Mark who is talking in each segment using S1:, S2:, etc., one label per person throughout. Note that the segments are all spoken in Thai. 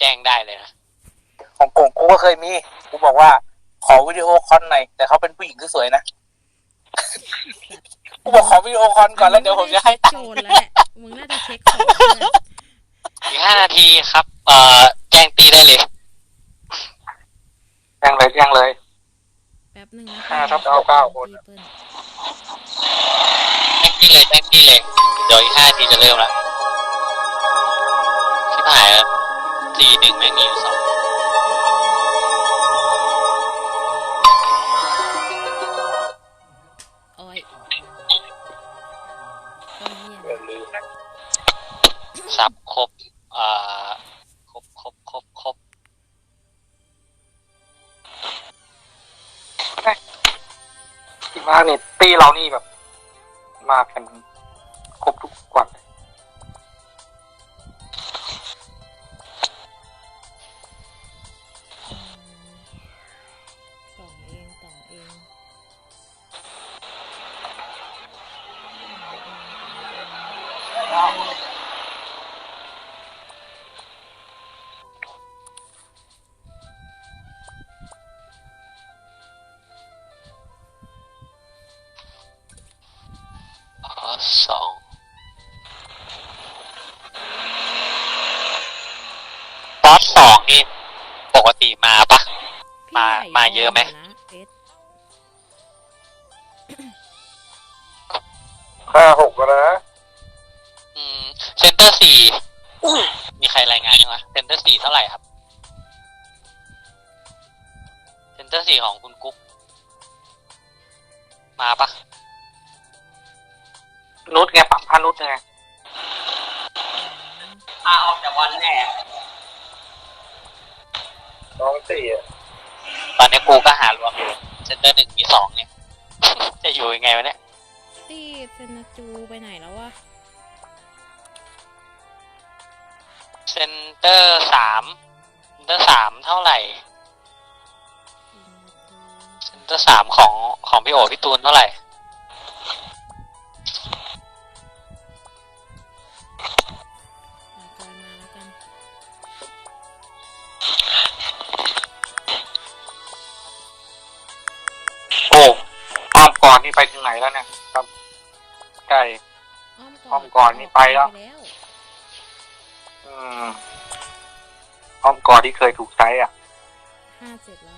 S1: จ้งได้เลยนะ
S2: ของกูก็เคยมีกูบอกว่าขอวิดีโอคอลหน่อยแต่เขาเป็นผู้หญิงที่สวยนะกูบอกขอวิดีโอคอลก่อนแล้วเดี๋ยวผมจะให้ตังค์
S3: แล้วแหละมึงน่าจะเช็คของ
S1: อีก5 นาทีครับแจ้งตีได้เลย
S2: แจ้งเลย
S3: แป๊บหนึ่งนะ
S2: 5/9คน
S1: แจ้งตีเลยเดี๋ยวอีก5 นาทีจะเริ่มละชิบหายแล้ว4-1ไม่มีอยู่2
S3: โอ้ย
S1: สับครบครบ
S2: ที่มากเนี่ยตีเรานี่แบบมากันครบทุกวัน
S3: ต่อเอง
S1: 2บอส2นี่ปกติมาปะมาเยอะไหม
S2: 5-6ก็นะ
S1: เซนเตอร์4มีใครรายงานยังวะเซนเตอร์4เท่าไหร่ครับเซนเตอร์4ของคุณกุ๊กมาปะ
S2: นุชไงปรับพานุชไง
S1: ออกจากวันแน่
S2: น้อง4อ่ะ
S1: ตอนนี้กูก็หารวมอยู่เซนเตอร์1มี2เนี่ยจะอยู่ยังไงวะเนี่ย
S3: ตีเซนาจูไปไหนแล้ววะ
S1: เซนเตอร์3เท่าไหร่เซนเตอร์3ของพี่โอพี่ตูนเท่าไหร่
S2: ก่อนนี่ไปถึงไหนแล้วเนี่ยครับใช่อ้อมก่อนนี่ไปแล้วอ้อมก่อนที่เคยถูกใช้อ่ะ
S3: 57แล้ว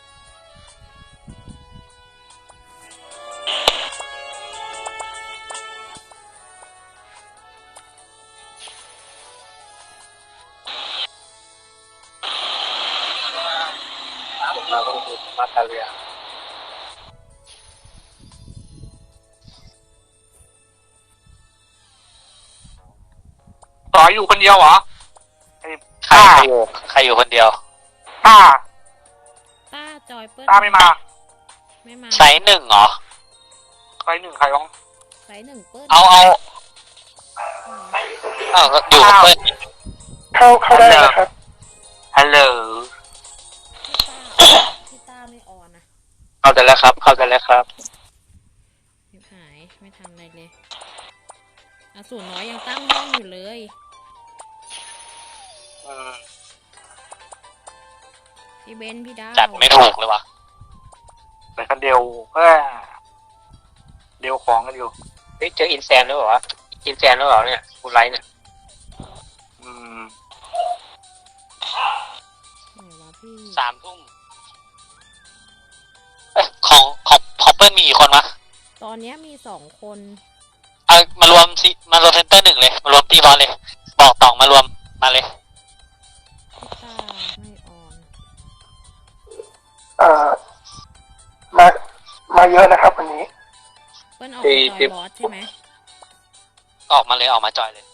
S2: มาตาเลียต่ออยู่คนเดียวเหรอ
S1: ใครอยู่คนเดียว
S3: ต้าจอยเปิ้ล
S2: ต้าไม่มา
S1: ไซส์1เหรอ
S2: ไซส์1ใครร้อง
S3: ไซส์1เปิ้ล
S1: เอาอยู่กับเปิ้ล
S2: เข้าได้นะครับฮัลโหล
S3: พี่ต้าไม่ออนนะ
S1: เข้าใจแล้วครับ
S3: ไม่หายไม่ทำอะไรเลยสูน้อยยังตั้งห้องอยู่เลยพี่เบนพี่ดาว
S1: จัดไม่ถูกเลยวะ
S2: แต่กันเดียวของกันอยู่
S1: เจออินแซนหรือเปล่าเนี่ยกูไลท์เนี่ย3 ทุ่มของเปิ้ลมีกี่คนวะ
S3: ตอนนี้มี2 คน
S1: มารวมเซนเตอร์1เลยมารวมตีบอลเลยบอกต่องมารวมมาเลย
S3: ไม่อ
S2: อนมาเยอะนะครับวันนี้
S3: เปิ้ลออกมาจอยบอสใช่ไหม
S1: ออกมาจอยเลย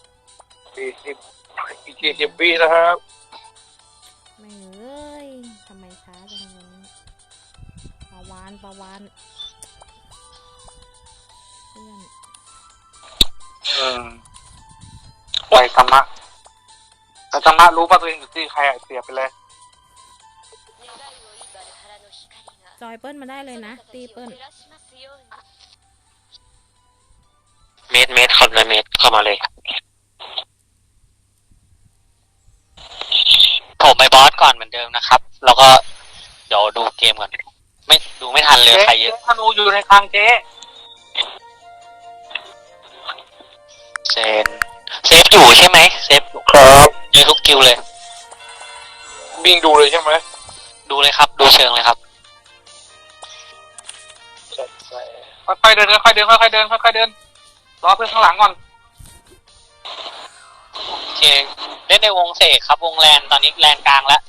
S2: 40 วินะครับ
S3: ไม่เลยทำไมช้าจังเลยปาวานเพื่อน
S2: ไปธรรมะแต่ธรรมะรู้ป่ะตัวเองอยู่ที่ใครเสียไปเลย
S3: จอยเปิ้ลมาได้เลยนะตีเปิ้ล
S1: เมตรเข้ามาเลยโถไปบอสก่อนเหมือนเดิมนะครับ แล้วก็เดี๋ยวดูเกมก่อน ไม่ดูไม่ทันเลยใครเยอะ
S2: ธนูอยู่ในคลังเจ๊
S1: เซฟอยู่ใช่ไหมเซฟอยู่
S2: ครับ
S1: เยอะทุกกิวเลย
S2: วิ่งดูเลยใช่ไหม
S1: ดูเลยครับ ดูเชิงเลยครับ
S2: ค่อยๆเดินค่อยๆเดินค่อยๆเดินค่อยๆเดินรอเพื่อนข้างหลังก่อน
S1: โอเคเล่นในวงเสกครับ วงแลนตอนนี้แลนกลางแล้ว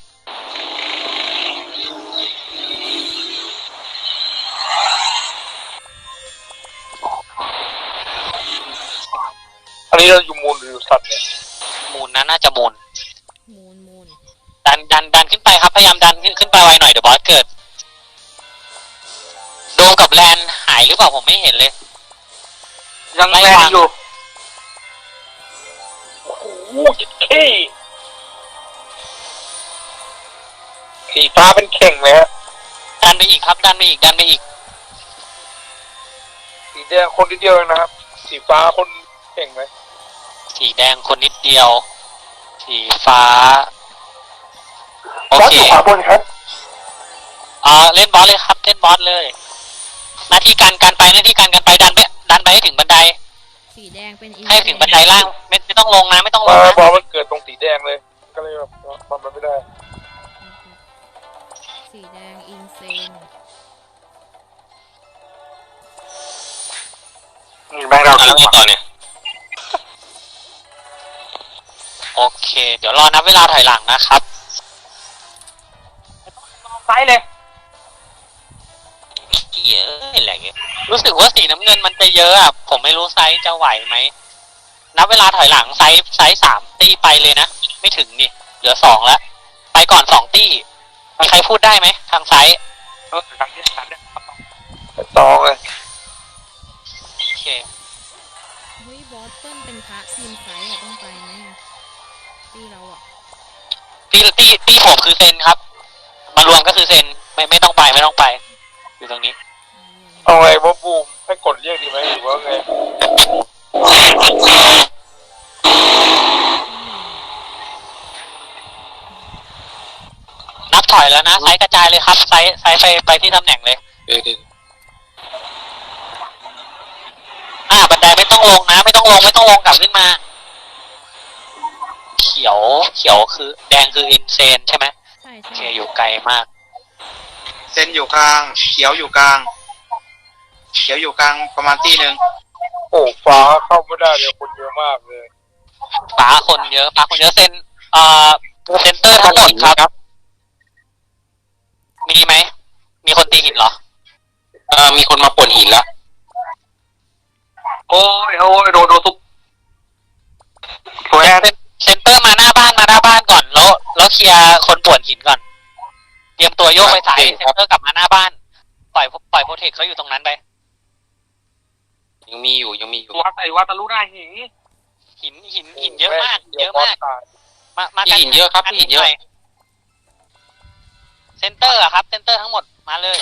S2: อันนี้เราอยู่มูลหรืออยู่สัตว์เนี่ย
S1: มูลนะน่าจะมูล
S3: มูน
S1: ดันขึ้นไปครับ พยายามดันขึ้นไปไวหน่อยเดี๋ยวบอสเกิด โดมกับแลนหายหรือเปล่าผมไม่เห็นเลย
S2: ยังแรงอยู่โอ้โหขี้สีฟ้าเป็นเข่งเลยฮะ
S1: ดันไปอีกครับ ดันไปอีก
S2: สีแดงคนนิดเดียวเองนะครับสีฟ้าคนเข่งไหม
S1: สีแดงคนนิดเดียว สีฟ้า โอเค
S2: ขวาบนครับ
S1: เล่นบอสเลยครับ เล่นบอสเลย หน้าที่การไปหน้าที่การไปดันไปให้ถึงบันได
S3: สีแดงเป็นอิน
S1: ให้ถึงบันไดล่างไม่ต้องลงนะไม่ต้องลงนะ
S2: บอลมันเกิดตรงสีแดงเลย ก็เลยแบบทำมันไม่ได้
S3: สีแดงอินเซน
S2: นี่แม่งเรา
S1: แล้วไงต่อเนี่ย โอเค เดี๋ยวรอนับเวลาถอยหลังนะครับ
S2: ไซส์เลย
S1: เยอะอะไรเงี้ยรู้สึกว่าสีน้ำเงินมันจะเยอะอ่ะผมไม่รู้ไซส์จะไหวไหมนับเวลาถอยหลังไซส์3 ตี้ไปเลยนะไม่ถึงนี่เหลือ2แล้วไปก่อน2 ตี้มีใครพูดได้ไหมทางไซส์
S2: ทางที่3เนี่ยต่อเลย
S1: โอเค
S3: เฮ้ยบอสเปิ้ลเป็นพระทีมไซส์อะต้องไปไหมอะตีเราอะ
S1: ตี้ผมคือเซนครับมารวมก็คือเซนไม่ต้องไปอยู่ตรงนี้
S2: เอาไงว่าบูมให้กดเรียกดีไหมหรือว่าไง
S1: นับถอยแล้วนะไซส์กระจายเลยครับไซส์ไปที่ตำแหน่งเลยบันไดไม่ต้องลงนะไม่ต้องลงกลับขึ้นมาเขียวคือแดงคืออินเซนใช่ไหม
S3: ใช่
S1: โอเค
S3: ใช่
S1: อยู่ไกลมาก
S4: เซนอยู่กลางเขียวอยู่กลางประมาณตีหนึ่ง
S2: โอ้ฟ้าเข้าไม่ได้เลยคนเยอะมากเลย
S1: ฟ้าคนเยอะเซนเซนเตอร์ทั้งหมดครับมีไหมมีคนตีหินเหรอมีคนมาป่วนหินแล้ว
S2: โอ้ยโดนทุบตัวแอน
S1: เซนเตอร์มาหน้าบ้านก่อนแล้วเคลียร์คนป่วนหินก่อนเตรียมตัวโยกไปสายเซนเตอร์กลับมาหน้าบ้านปล่อยโปรเทคเขาอยู่ตรงนั้นไปยังมีอยู่
S2: วัดตะลุหน้าหิน
S1: หินเยอะมากมาหินเยอะครับหินเยอะเซนเตอร์อะครับเซนเตอร์ทั้งหมดมาเลย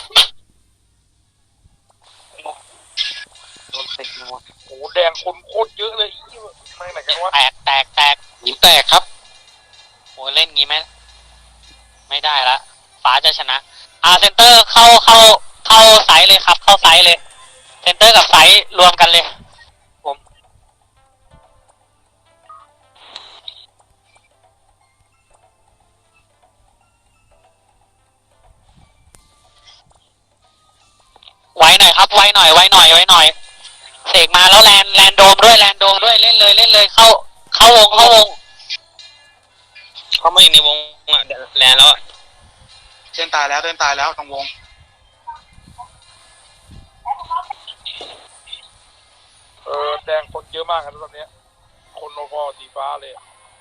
S1: โดนติดนัว
S2: โอ้แดงคนโคตรเยอะเลยไม่ไหนกันวะ
S1: แตกหินแตกครับโอ้เล่นงี้ไหมไม่ได้ละฟ้าจะชนะเซนเตอร์เข้าไซส์เลยครับเข้าไซส์เลยเซนเตอร์กับไซส์รวมกันเลยผมไว้หน่อยครับไว้หน่อยเสกมาแล้วแลนโดมด้วยเล่นเลยเข้าวงเขาไม่อยู่ในวงอ่ะแลนแล้วอ่ะ
S4: เต้นตายแล้วตรงวง
S2: แดงคนเยอะมากครับตอนนี้คนโนพอสีฟ้าเลย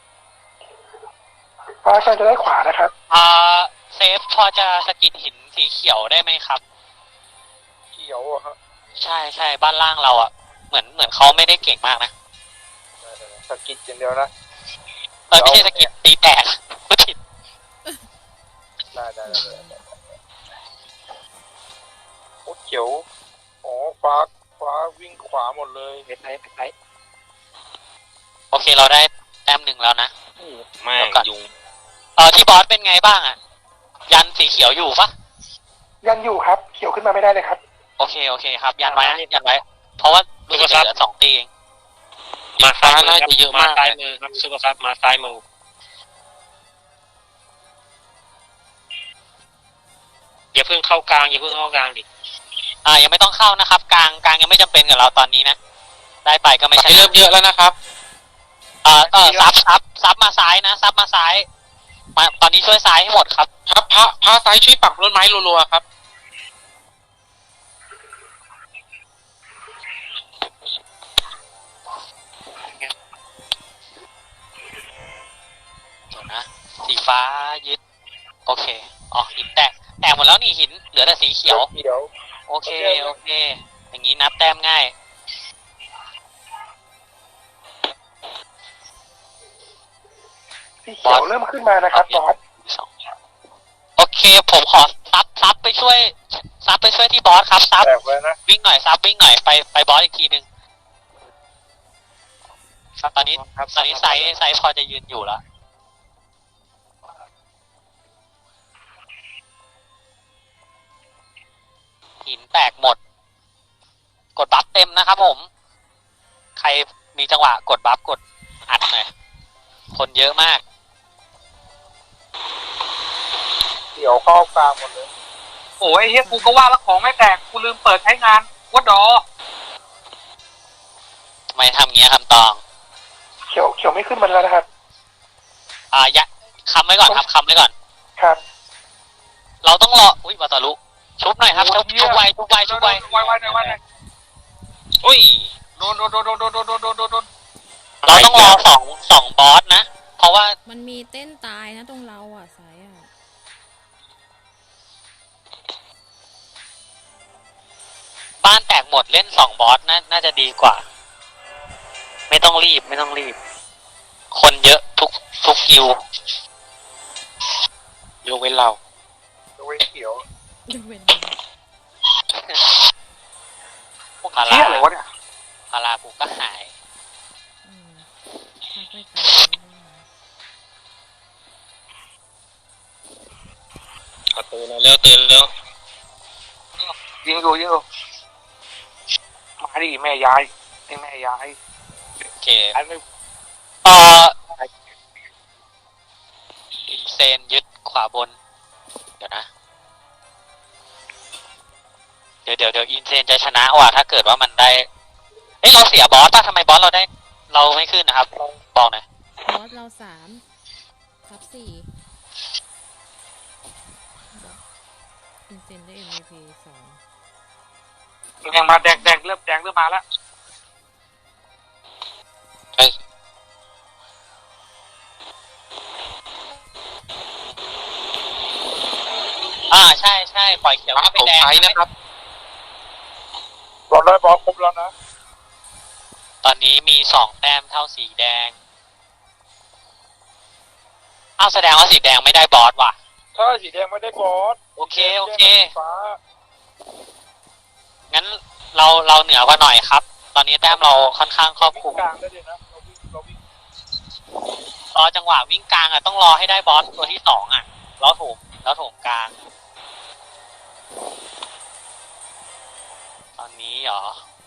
S2: ฟ้าใครจะได้ขวานะครับ
S1: เซฟพอจะสกิดหินสีเขียวได้ไหมครับ
S2: เขียวอะฮะ
S1: ใช่บ้านล่างเราอ่ะเหมือนเขาไม่ได้เก่งมากนะ
S2: สกิดอย่างเดียวนะ
S1: ไม่ใช่สกิดตีแตกพูดผิด
S2: ได้โอ้เขียวอ๋อฟ้าวิ่งขวาหมดเลย
S1: ไปโอเคเราได้แต้ม1แล้วนะ
S4: แม่งยุง
S1: ที่บอสเป็นไงบ้างอ่ะยันสีเขียวอยู่ปะ
S2: ยังอยู่ครับ เขียวขึ้นมาไม่ได้เลยครับ
S1: โอเคครับยันไว้นะยันไว้ เพราะว่ารู้สึกจะเหลือ2 ตีเอง
S5: มาซ้ายน่าจะเยอะมากซ้ายมือครับซูเปอร์ซับมาซ้ายมืออย่าเพิ่งเข้ากลางดิ
S1: ยังไม่ต้องเข้านะครับกลางยังไม่จำเป็นกับเราตอนนี้นะได้ไปก็ไม่ใช่
S5: เริ่มเยอะแล้วนะครับ
S1: ซับมาซ้ายนะซับมาซ้ายมาตอนนี้ช่วยซ้ายให้หมดครับ
S5: ครับพระซ้ายช่วยปักต้นไม้รัวๆครับ
S1: เดี๋ยวนะสีฟ้ายึดโอเคหินแตกหมดแล้วนี่หินเหลือแต่สีเขียวโอเคอย่างนี้นับแต้มง่าย
S2: สีเขียวเริ่มขึ้นมานะครับบอส
S1: โอเคผมขอซับไปช่วยที่บอสครับซับ
S2: แตกเลยนะ
S1: วิ่งหน่อยซับวิ่งหน่อยไปบอสอีกทีนึงตอนนี้ไซส์พอจะยืนอยู่แล้วหินแตกหมดกดบัฟเต็มนะครับผมใครมีจังหวะกดบัฟกดอัดหน่อยคนเยอะมาก
S2: เขียวเข้ากลางหมดเลย
S6: โอ้ยเฮียกูก็ว่าแล้วของไม่แตกกูลืมเปิดใช้งานวัดดอ
S1: ไม่ทำเงี้ยคำตอง
S2: เขียวไม่ขึ้นมาแล้วนะครับ
S1: คำไว้ก่อนครับคำไว้ก่อน
S2: ครับ
S1: เราต้องรออุ้ยวาตาลุชุบหน่อยครับชุบไว
S6: ไวหน่อย
S1: อุ้ย
S6: โดน
S1: เราต้องรอสองบอสนะเพราะว่า
S3: มันมีเต้นตายนะตรงเราอ่ะสายอ่ะ
S1: บ้านแตกหมดเล่น2 บอสน่าจะดีกว่าไม่ต้องรีบคนเยอะทุกกิว
S5: ยกเว้นเรา
S2: เขียว
S3: ยกเว้น
S1: พารา
S2: เที่ยอะไรวะเนี่ย
S1: พารากูก็หาย
S3: พักไปตาย
S5: ตื่นแล้ว
S2: ยิงอยู่มาดิแม่ยาย
S1: โอเค
S2: อันนี้
S1: อินเซนยึดขวาบนเดี๋ยวนะเดี๋ยวอินเซนจะชนะว่ะถ้าเกิดว่ามันได้เราเสียบอสป่ะทำไมบอสเราได้เราไม่ขึ้นนะครับบอกหน่อย
S3: บอสเรา3 ทับ 4อินเซนได้ MVP 2
S6: แดงมาแดงเริ่มมาแล้ว
S1: ใช่ปล่อยเขียวให้ไปแดง
S5: นะครับ
S2: บอลได้บอลครบแล้วนะ
S1: ตอนนี้มี2 แต้มเท่าสีแดงแสดงว่าสีแดงไม่ได้บอสว่ะ
S2: ถ้าสีแดงไม่ได้บอส
S1: โอเค
S2: ฟ้า
S1: งั้นเราเหนือกว่าหน่อยครับ ตอนนี้แต้มเราค่อนข้างครอบคลุม
S2: กลางได้เลยนะเราวิ่ง
S1: รอจังหวะวิ่งกลางต้องรอให้ได้บอสตัวที่2แล้วโถมกลางตอนนี้เหรอ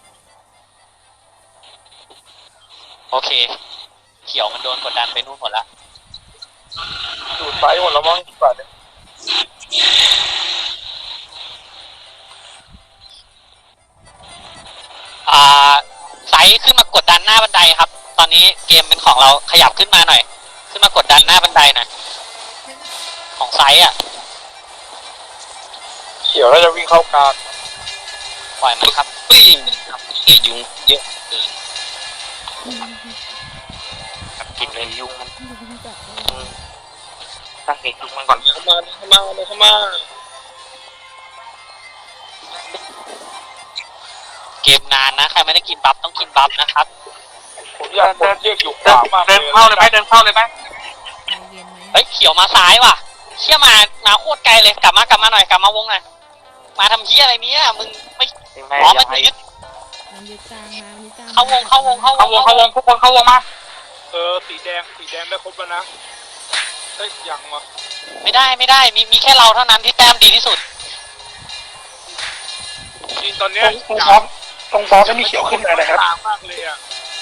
S1: โอเคเขียวมันโดนกดดันไปนู่นหมดแล้ว
S2: ดูดไซส์หมดแล้วมั้งป่าเนี่ย
S1: ไซส์ขึ้นมากดดันหน้าบันไดครับ ตอนนี้เกมเป็นของเราขยับขึ้นมาหน่อยขึ้นมากดดันหน้าบันไดหน่อยของไซส์
S2: เขียวแล้วจะวิ่งเข้ากลาง
S1: ปล่อยมันครับ
S5: ยุงเยอะเกินกินเลยยุงมัน
S3: จับได้
S5: ตั้งเอกยุงมันก่อนเข้ามา
S1: เกมนานนะใครไม่ได้กินบัฟต้องกินบัฟนะครับ
S2: ผมอยากเดินอยู่ขวามาก
S6: เดินเข้าเลยไหม
S3: ใจเย็นไหม
S1: เขียวมาซ้ายว่ะเชี่ยมาโคตรไกลเลยกลับมาหน่อยกลับมาวงหน่อยมาทำเหี้ยอะไรเนี้ยมึงไม่มันยึด
S3: มันยึดกลางมามันยึดกลาง
S1: เข้าวง
S6: ทุกคนเข้าวงมา
S2: สีแดงได้ครบแล้วนะ
S5: ฮ้ยยังวะ
S1: ไม่ได้มีแค่เราเท่านั้นที่แต้มดีที่สุด
S5: จริงตอน
S2: ต
S5: เนี้
S2: ร
S5: ย
S2: งบอสตรงบอสจะมีเขียวขึ้นมานะครับ
S5: ต่างมากเลยอ่ะ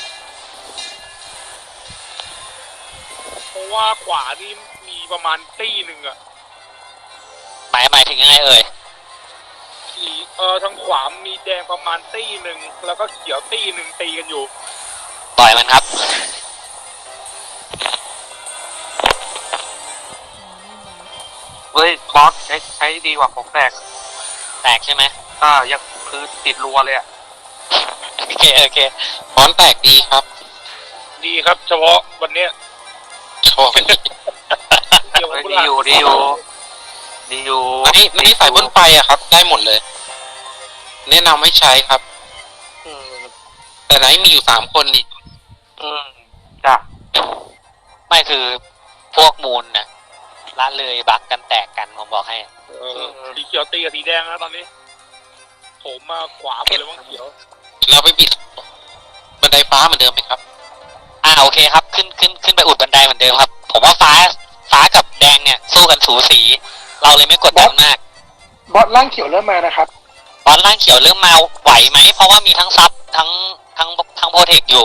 S5: เพราะว่าขวานี่มีประมาณตี้หนึ่งอ่ะ
S1: หมายถึงยังไงเอ่ย
S5: ทางขวามีแดงประมาณตี้หนึ่งแล้วก็เขียวตี้หนึ่งตีกันอยู่
S1: ปล่อยมันครับ
S2: เฮ้ยบอสใช้ดีกว่าของแตก
S1: แตกใช่ไหม
S2: ยังคือติดรัวเลยอ่ะ
S1: โอเค
S7: บอลแตกดีครับ
S5: ดีครับ เฉพาะวันเนี้ย
S7: โชว์วันนี้
S5: เกี่ยวกับ
S2: ดีอยู่
S7: อันนี้สายบนไฟอะครับ ได้หมดเลย แนะนำให้ใช้ครับ แต่ไหนมีอยู่3 คนนี่
S2: จ้ะ
S1: ไม่คือพวกมูลนะละเลยบักกันแตกกันผมบอกให้
S5: สีเขียวตีกับสีแดงนะตอนนี้โถมมาขวาหมดเลยว่างเขียว
S7: เราไปปิดบันไดฟ้าเหมือนเดิมไหมครับ
S1: โอเคครับขึ้นไปอุดบันไดเหมือนเดิมครับ ผมว่าฟ้ากับแดงเนี่ยสู้กันสูสี เราเลยไม่กดดันมาก
S2: บอสล่างเขียวเริ่มมานะครับ
S1: ตอนล่างเขียวเริ่มมาไหวไหมเพราะว่ามีทั้งซับทั้งโปรเทคอยู่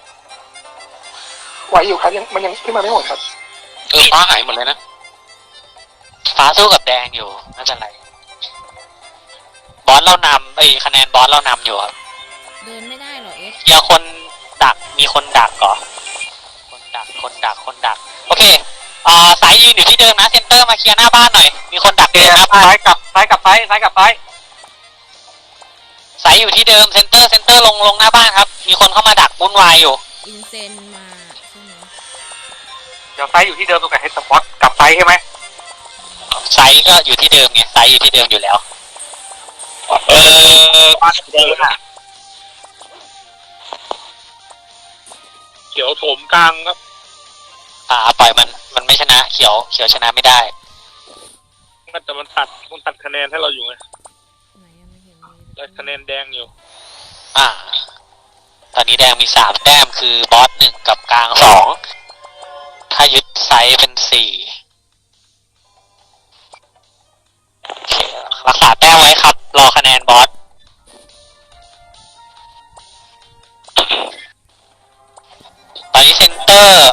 S2: ไหวอยู่ครับมันยังขึ้นมาไม่หมดครับ
S7: ฟ้าหายหมดเลยนะ
S1: ฟ้าสู้กับแดงอยู่ไม่เป็นไรบอสเรานำคะแนนบอสเรานำอยู่ครับ
S3: เดินไม่ได้เหรอเอส
S1: เดี๋ยวคนดักมีคนดักก่อนคนดักโอเคสายยืนอยู่ที่เดิมนะเซนเตอร์มาเคลียร์หน้าบ้านหน่อยมีคนดักเดินหน้าบ้าน
S2: ซ้ายกับซ้าย
S1: สายอยู่ที่เดิมเซนเตอร์ลงหน้าบ้านครับ มีคนเข้ามาดักวุ่นวายอยู่
S3: อินเซนมาใช่ไหม
S2: เดี๋ยวซ้ายอยู่ที่เดิมตรงกับเฮดสปอตกับซ้ายใช่ไหม
S1: ไซส์ก็อยู่ที่เดิมไงไซส์อยู่ที่เดิมอยู่แล้ว
S5: เขียวโถมกลางครับ
S1: ปล่อยมันไม่ชนะเขียวชนะไม่ได้
S5: แต่มันตัดคะแนนให้เราอยู่ไง
S3: ไหนยังไม่เห็นมี
S5: ได้คะแนนแดงอยู่
S1: ตอนนี้แดงมี3 แต้มคือบอส1กับกลาง2ถ้ายึดไซส์เป็น4โอเครักษาแต้มไว้ครับ รอคะแนนบอสตอนนี้เซนเตอร์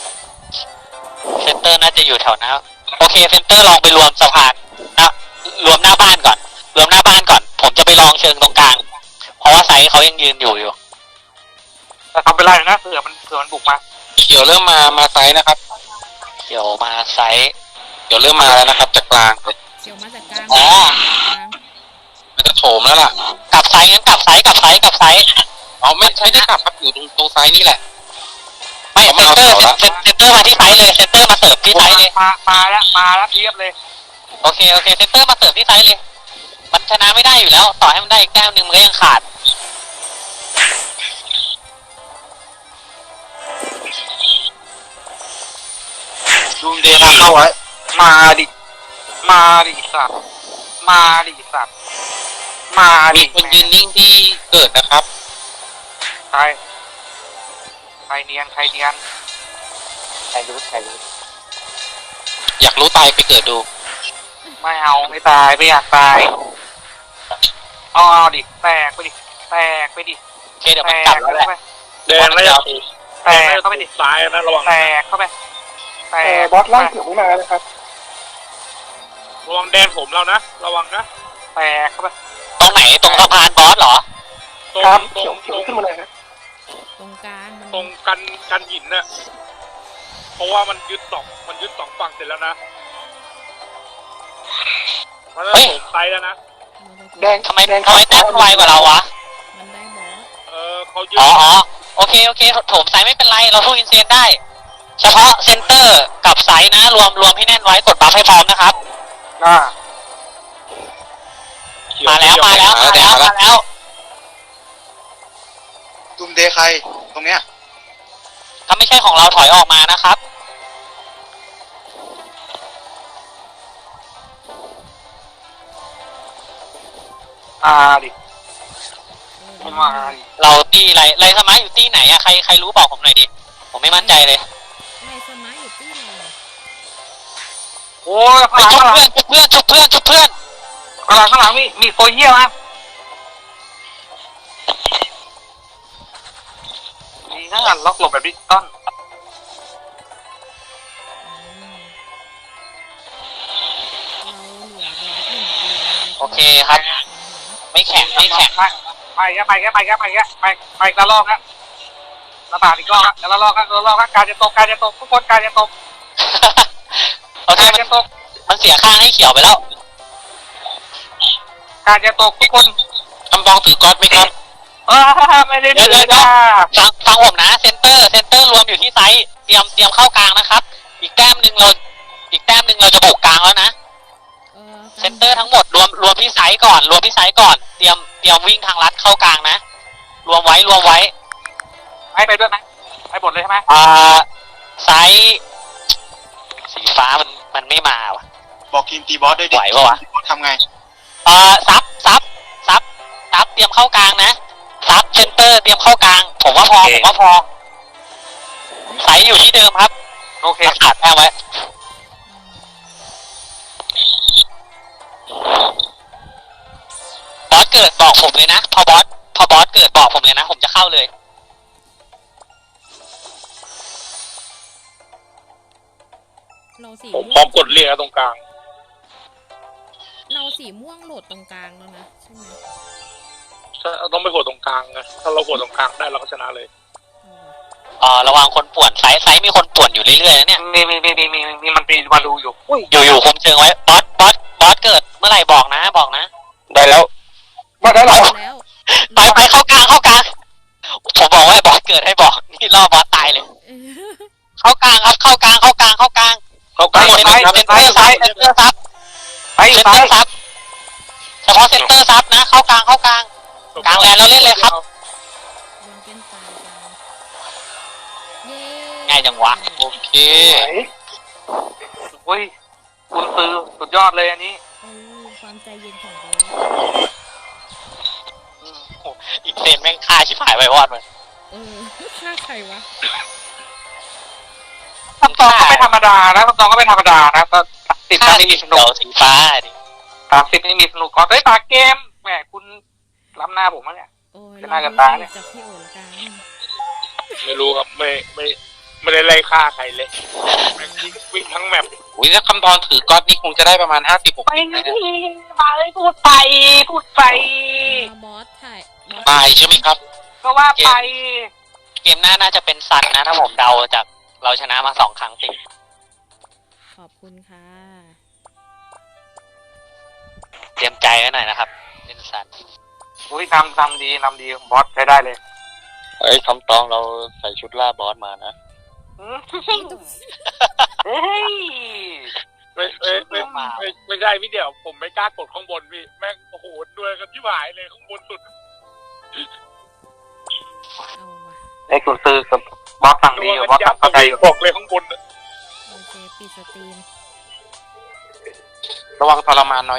S1: น่าจะอยู่แถวนั้นโอเคเซนเตอร์ลองไปรวมสะพานนะรวมหน้าบ้านก่อน ผมจะไปลองเชิงตรงกลาง เพราะว่าไซส์เขายังยืนอยู่
S2: แต่ทำเป็นไรนะเผื่อมันบุกมา
S7: เขียวเริ่มมาไซส์นะครับ
S1: เขียวมาไซส์
S7: เขียวเริ่มมาแล้วนะครับจากกลางเลย
S3: เขียวมาจากกลาง
S1: อ๋อ
S3: กลาง
S7: มันจะโถมแล้วล่ะ
S1: กลับไซส์งั้นกลับไซส์
S7: เอาไม่ใช่ได้กลับครับอยู่ตรงไซส์นี่แหละ
S1: ไม่เซนเตอร์มาที่ไซส์เลยเซนเตอร์มาเสิร์ฟที่ไซส์เลย
S2: มาแล้วเทียบเลย
S1: โอเคเซนเตอร์มาเสิร์ฟที่ไซส์เลย มันชนะไม่ได้อยู่แล้ว ต่อให้มันได้อีกแต้มนึงมันก็ยังขาด
S2: ดูเดนะเข้าไว้มาดิสัตว์มาดิ
S7: มีคนยืนนิ่งที่เกิดนะครับ
S2: ใครเนียน
S1: ใครรู้
S7: อยากรู้ตายไปเกิดดู
S2: ไม่เอาไม่ตายไม่อยากตายเอาดิแตกไปดิ
S1: โอเคเดี๋ยวมันกลับแล้วแหละ
S5: แดงแล้วจะถูก
S2: แตกเข้าไปดิ
S5: ซ้ายนะระวัง
S2: แตกเข้าไปบอสล่างเขียวไม่มาแล้วครับ
S5: ระวังแดงผมเรานะระวังนะ
S2: แตกเข้าไป
S1: ตรงไหนตรงสะพานบอสเหรอ
S5: ตรง
S2: ครับ
S5: ตรง
S2: เขียวขึ้นมาเลยครับ
S3: ตรงกลางมัน
S5: ตรงกันหินน่ะเพราะว่ามันยึดสองฝั่งเสร็จแล้วนะมันจะ
S1: เฮ้ย
S5: โถมไซส์แล้วนะ
S2: แดง
S1: ทำไมแต้มไวกว่าเราวะ
S3: มันได้บอส
S5: เขายึด
S1: โอเคโถมไซส์ไม่เป็นไรเราสู้อินเซนได้ เฉพาะเซนเตอร์กับไซส์นะรวมให้แน่นไว้กดบัฟให้พร้อมนะครับ
S5: เขียว
S1: มาแล้ว
S4: ตุมเดย์ใครตรงเนี้ย
S1: ถ้าไม่ใช่ของเราถอยออกมานะครับ
S2: ดิ
S3: เออ
S2: มาดิ
S1: เราตีไรสมาร์ทอยู่ตีไหนอะใครรู้บอกผมหน่อยดิผมไม่มั่นใจเลย
S3: ไล่สมัยอยู่ที่ไหน
S6: โอ้ย
S1: ไปชุบเพื่อนชุบเพื่อนชุบเพื่อนชุบเพื่อน
S6: ข้างหลังมีโซเฮียมาดีนะล็อกหลบแบบดิจิตอล
S3: เราเหลือบอสหนึ่งตัว
S1: โอเคครับ ไม่แข็งไม่แข็ง
S6: ไปละลอกนะระบาดอีกรอบละลอกการจะตกทุกคนการจะตก
S1: โอเค
S6: การจะตก
S1: มันเสียข้างให้เขียวไปแล้ว
S6: การจะตกทุกคน
S7: คำบองถือก๊อตไหมครับ
S6: ไม่ได้
S1: เดี๋ยว
S6: เลยนะ
S1: ฟังผมนะเซนเตอร์รวมอยู่ที่ไซส์เตรียมเข้ากลางนะครับ อีกแต้มหนึ่งเราจะบุกกลางแล้วนะเซนเตอร์ทั้งหมดรวมที่ไซส์ก่อนเตรียมวิ่งทางลัดเข้ากลางนะรวมไว้
S6: ให้ไปด้วยไหมให้หมดเลยใช่ไหม
S1: ไซส์สีฟ้ามันไม่มาว่ะ
S4: บอกทีมตีบอสด้วยดิ
S1: ไหวปะวะ
S4: ทำไง
S1: ซับเตรียมเข้ากลางนะซับเซนเตอร์เตรียมเข้ากลางผมว่าพอไซส์อยู่ที่เดิมครับ
S6: โอเค
S1: รักษาแต้มไว้บอสเกิดบอกผมเลยนะพอบอสเกิดบอกผมเลยนะผมจะเข้าเลย
S3: เราสี
S5: ผม
S3: ม่วง
S5: พร้อมกดเรียกตรงกลาง
S3: เราสีม่วงโหลดตรงกลางแล้วนะใช่ไหม
S5: ต้องไปโหดตรงกลางนะถ้าเราโหดตรงกลางได้เราก็ชนะเลย
S3: เอาว่ะ
S1: ระวังคนป่วนไซส์มีคนป่วนอยู่เรื่อยๆนะเนี่ย
S6: มีมันมีมาดูอยู่
S1: อยู่คุมเชิงไว้บอสเกิดเมื่อไหร่บอกนะ
S2: ได้แล้วมาได้แล้ว
S3: แล้ว
S1: ไปเข้ากลางผมบอกว่าบอสเกิดให้บอกนี่ล่อบอสตายเลย
S3: เออ
S1: เข้ากลางครับเข้ากลางหมดไหมเซนเตอร์ซับ
S6: ไป
S1: เซนเตอร์
S6: ไป
S1: ซับเฉพาะเซนเตอร์ซับนะเข้ากลางกลางแลนเราเล่นเลยครับ
S3: ยังเป็นตายกันเย้
S1: ง่ายจังวะ
S7: โอเค
S6: โอ้ยคุณซื้อสุดยอดเลยอันนี้
S3: ความใจเย็นของบอส
S1: อีกเซนแม่งฆ่าชิบหายไปวอดมัน
S3: ฆ่าใครวะ
S6: คำตองก็ไม่ธรรมดานะก็ติด
S1: ฆ่า
S6: ไม่มีส
S1: เขี
S6: นุ
S1: ย
S6: ก
S1: วสีฟ้าดิ
S6: 30ไม่มีสนุกก่อนเฮ้ยตาเกมแหมคุณล้ำหน้าผมมั้งเนี่ย
S3: โอ้ย
S6: จะน่าจะตายเนี่ย
S3: จากพี่โอละกัน
S5: ไม่รู้ครับไม่ได้ไล่ฆ่าใครเลยแม่งวิ่งทั้งแมป
S7: อุ้ยถ้าคำบองถือก๊อตนี่คงจะได้ประมาณ50-60
S6: ไม่
S7: นะ
S6: พูดไป
S3: บอสถ่ายบอส
S7: ตายใช่ไหมครับ
S6: ก็ว่าไป
S1: เกมหน้าน่าจะเป็นซันนะถ้าผมเดาจากเราชนะมา2 ครั้งติด
S3: ขอบคุณค่ะ
S1: เตรียมใจไว้หน่อยนะครับเล่นซัน
S6: อุ้ยทำดีบอสใช้ได้เลย
S2: เฮ้ยคำตองเราใส่ชุดล่าบอสมานะ
S6: เฮ้ย
S5: ไม่ใช่พี่เดี๋ยวผมไม่กล้ากดข้างบนพี่แม่งโอ้โหด้วยกันที่หายเลยข้างบนสุด
S3: เอาว่ะ
S6: ไอ้คุณซื้อกับบอสสั่งดีกับบอสสั่งเข้าใจอยู่
S5: บอกเลยข้างบน
S3: โอเคปิดสตรีม
S7: ระวังทรมานน้อย